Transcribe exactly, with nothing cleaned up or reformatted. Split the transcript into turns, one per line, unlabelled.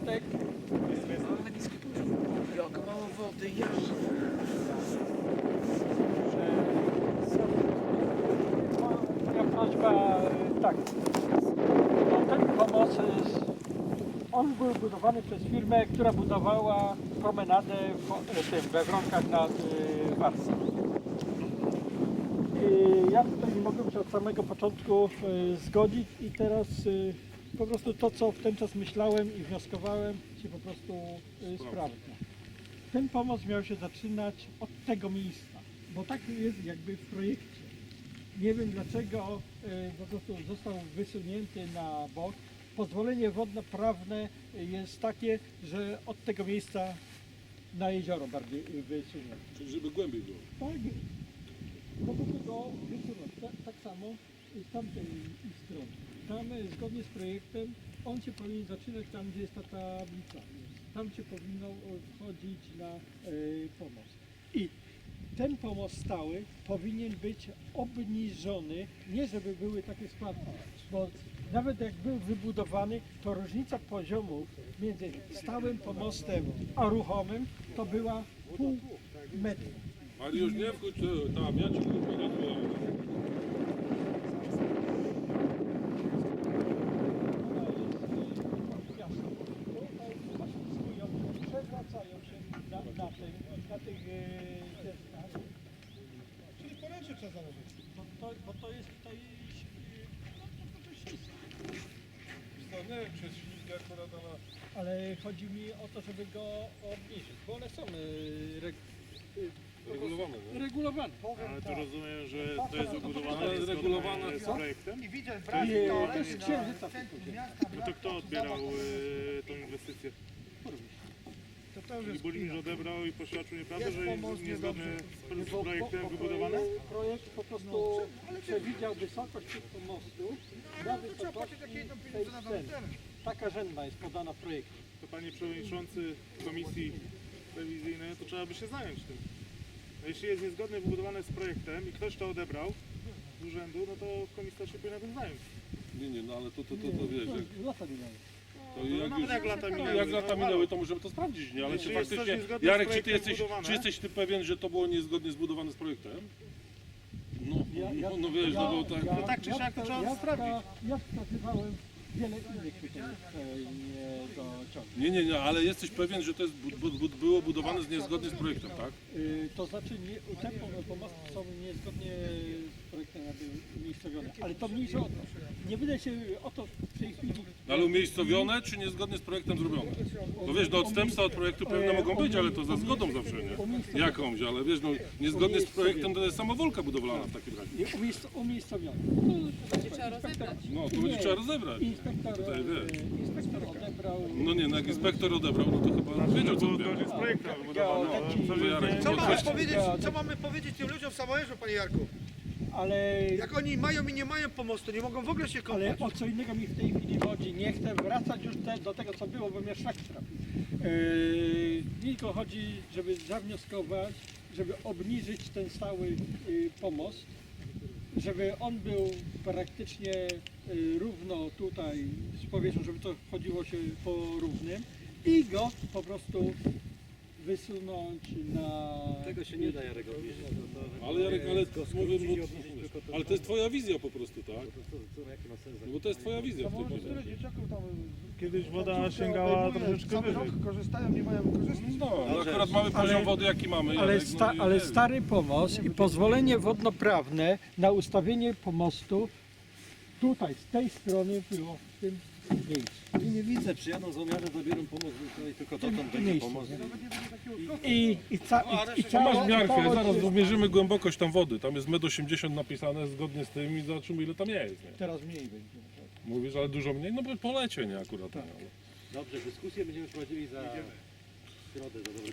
Bartek. Ale niskie poziom. Jak mało wody, ja. Moja prośba, tak. No, ten pomost, jest- on był budowany przez firmę, która budowała promenadę w, tym, we Wronkach nad y, Warsą. I ja tutaj nie mogłem się od samego początku y, zgodzić i teraz y, po prostu to, co w ten czas myślałem i wnioskowałem, się po prostu y, sprawdza. Ten pomost miał się zaczynać od tego miejsca, bo tak jest jakby w projekcie. Nie wiem dlaczego y, po prostu został wysunięty na bok. Pozwolenie wodno-prawne jest takie, że od tego miejsca na jezioro bardziej y, wysunięte.
Czyli żeby głębiej było.
Tak, po prostu go wysunąć. Tak, tak samo z tamtej strony. Tam e, zgodnie z projektem on się powinien zaczynać tam, gdzie jest ta tablica. Tam się powinno e, wchodzić na e, pomost. I ten pomost stały powinien być obniżony, nie żeby były takie spadki, bo nawet jak był wybudowany, to różnica poziomów między stałym pomostem a ruchomym to była pół metra.
Ale już nie wchodź e, tam, ja ci mówię na to.
Przewracają się na, na, tym, na tych e, deskach.
Czyli poręcze trzeba założyć.
Bo to, bo to jest tutaj no, to, to ślisko.
Nie wiem, przez ślizgę akurat ona...
Ale chodzi mi o to, żeby go obniżyć, bo one są e, reg, e,
Regulowane, nie?
regulowane.
Ale to rozumiem, że to jest ubudowane
Ale
zgodnie
regulowane
z
co?
projektem?
I widzę w
Nie,
Brazylii
to jest
na
księżyca
centrum
tylko.
miasta.
No to kto odbierał e, tą inwestycję?
To to już
I
jest
Burmistrz odebrał i poświadczył nieprawdę,
Jest
że jest
pomoc,
niezgodnie
niedobrze.
z, z projektem wybudowane?
Projekt po prostu przewidział wysokość tych pomostów na
to trzeba płacić
wysokości
takie jedno
tej
pieniądze na
sceny.
ten.
Taka rzędna jest podana w projekcie.
To panie przewodniczący komisji rewizyjnej, to trzeba by się zająć tym. No jeśli jest niezgodnie wybudowane z projektem i ktoś to odebrał z urzędu, no to komisja się powinna tym zająć.
Nie, nie, no ale to, to, to, to wiesz, jak,
To lata minęły.
to
No
jak
nawet
już...
jak lata
No,
minęły.
jak lata
no,
minęły,
halo.
to możemy to sprawdzić, nie? Ale
Czy
czy
jest coś
faktycznie...
niezgodne z
Jarek, czy ty,
projektem
jesteś,
zbudowane?
czy jesteś ty pewien, że to było niezgodnie zbudowane z projektem? No,
Ja- ja-
no, no wiesz, no bo tak...
ja-
No tak czy
ja
siak to
wska-
trzeba
ja
sprawdzić.
wska- Ja wskazywałem wiele innych tutaj e, nie dociągnięć.
Nie, nie, nie, ale jesteś pewien, że to jest, bu, bu, bu, było budowane z niezgodnie z projektem, tak?
Y, To znaczy nie, te pom- pomosty są niezgodnie z projektem jakby umiejscowione, ale to mniejsza o to. Nie wydaje się o to w tej chwili.
No, ale umiejscowione, czy niezgodnie z projektem zrobione? No wiesz, no odstępstwa od projektu pewne mogą być, ale to za zgodą zawsze, nie? Jakąś, ale wiesz, no niezgodnie z projektem to jest samowolka budowlana w takim razie.
Nie, umiejsc- umiejscowione.
Będzie trzeba rozebrać.
No, to
Nie.
będzie trzeba rozebrać.
Inspektor,
Tutaj,
e,
wiesz.
inspektor odebrał.
No nie, no jak inspektor odebrał, no to chyba wiedział co
To
odbierał.
zgodnie z projektem wybudowane.
Geodeci-
Co
To Jarek,
nie-
Co
no
mamy,
weź-
powiedzieć, co mamy powiedzieć tym ludziom w Samojerzu, panie Jarku?
Ale,
Jak oni mają i nie mają pomostu, nie mogą w ogóle się
ale
kąpać.
o co innego mi w tej chwili chodzi. Nie chcę wracać już te, do tego, co było, bo mnie szlak trafił. Yy, tylko chodzi, żeby zawnioskować, żeby obniżyć ten stały yy, pomost, żeby on był praktycznie yy, równo tutaj z powierzchnią, żeby to chodziło się po równym i go po prostu wysunąć na...
Tego się nie da, Jarek, obniżyć. To, to,
Ale Jarek, ale
to
mówię,
skrócić,
bo,
obniżyć tylko to,
ale to jest twoja wizja po prostu, tak?
to, to, to, jaki ma sens?
No bo to jest twoja wizja w tej chwili.
dzieciaków tam...
Kiedyś woda sięgała troszeczkę wyżej.
korzystają, nie mają korzystać.
No, no akurat mamy poziom wody jaki mamy.
Ale,
Jarek,
sta,
no i
ale
wiesz.
stary pomost i pozwolenie wodnoprawne na ustawienie pomostu tutaj, z tej strony było w tym miejscu.
I nie widzę, przyjadą złomiarze, zabiorą pomoc no i tylko dotąd będzie
miejscu,
pomoc.
I, i, ca, i, i
To
cała,
masz miarkę,
cała-
zaraz zmierzymy głębokość tam wody. Tam jest metr osiemdziesiąt napisane zgodnie z tym i zobaczymy ile tam jest. Nie?
Teraz mniej będzie.
Mówisz, ale dużo mniej? No bo polecie, nie akurat. Nie, ale...
Dobrze, dyskusję będziemy prowadzili za środę, za dobry